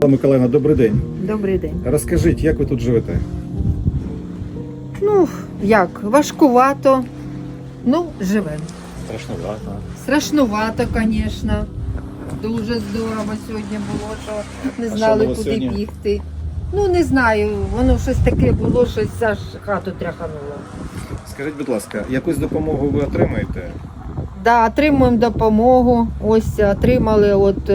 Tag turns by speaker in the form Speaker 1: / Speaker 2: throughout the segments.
Speaker 1: Миколаївна, добрий день.
Speaker 2: Добрий день.
Speaker 1: Розкажіть, як ви тут живете?
Speaker 2: Ну, як, важкувато, ну, живемо.
Speaker 1: Страшновато.
Speaker 2: Страшнувато, звісно. Дуже здорово сьогодні було, що не
Speaker 1: А
Speaker 2: знали,
Speaker 1: що було
Speaker 2: куди
Speaker 1: сьогодні?
Speaker 2: бігти. Ну, не знаю, воно щось таке було, щось аж хату тряхануло.
Speaker 1: Скажіть, будь ласка, якусь допомогу ви отримаєте?
Speaker 2: Да, отримуємо допомогу. Ось отримали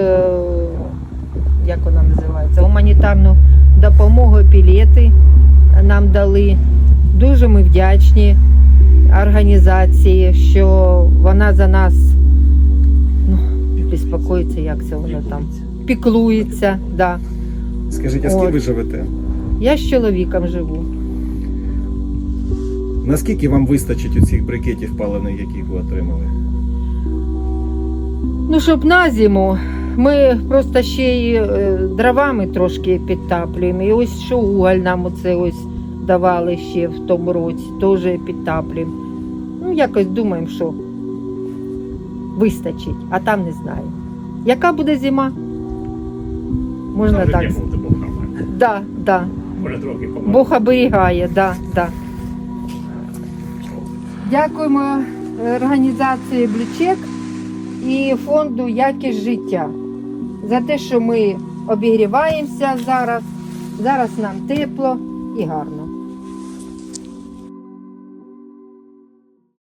Speaker 2: як вона називається, гуманітарну допомогу, пілети нам дали. Дуже ми вдячні організації, що вона за нас безпокоїться, як це воно там, піклується. Да.
Speaker 1: Скажіть, а з ким ви живете?
Speaker 2: Я з чоловіком живу.
Speaker 1: Наскільки вам вистачить оцих брикетів паливних, яких ви отримали?
Speaker 2: Ну, щоб на зиму, ми просто ще й дровами трошки підтаплюємо. І ось що уголь нам оце ось давали ще в тому році, теж підтаплюємо. Ну, якось думаємо, що вистачить, а там не знаю. Яка буде зима? Можна так. Да, да. Бог оберігає, да, да. Дякуємо організації Блючек і фонду «Якість життя» за те, що ми обігріваємося зараз. Зараз нам тепло і гарно.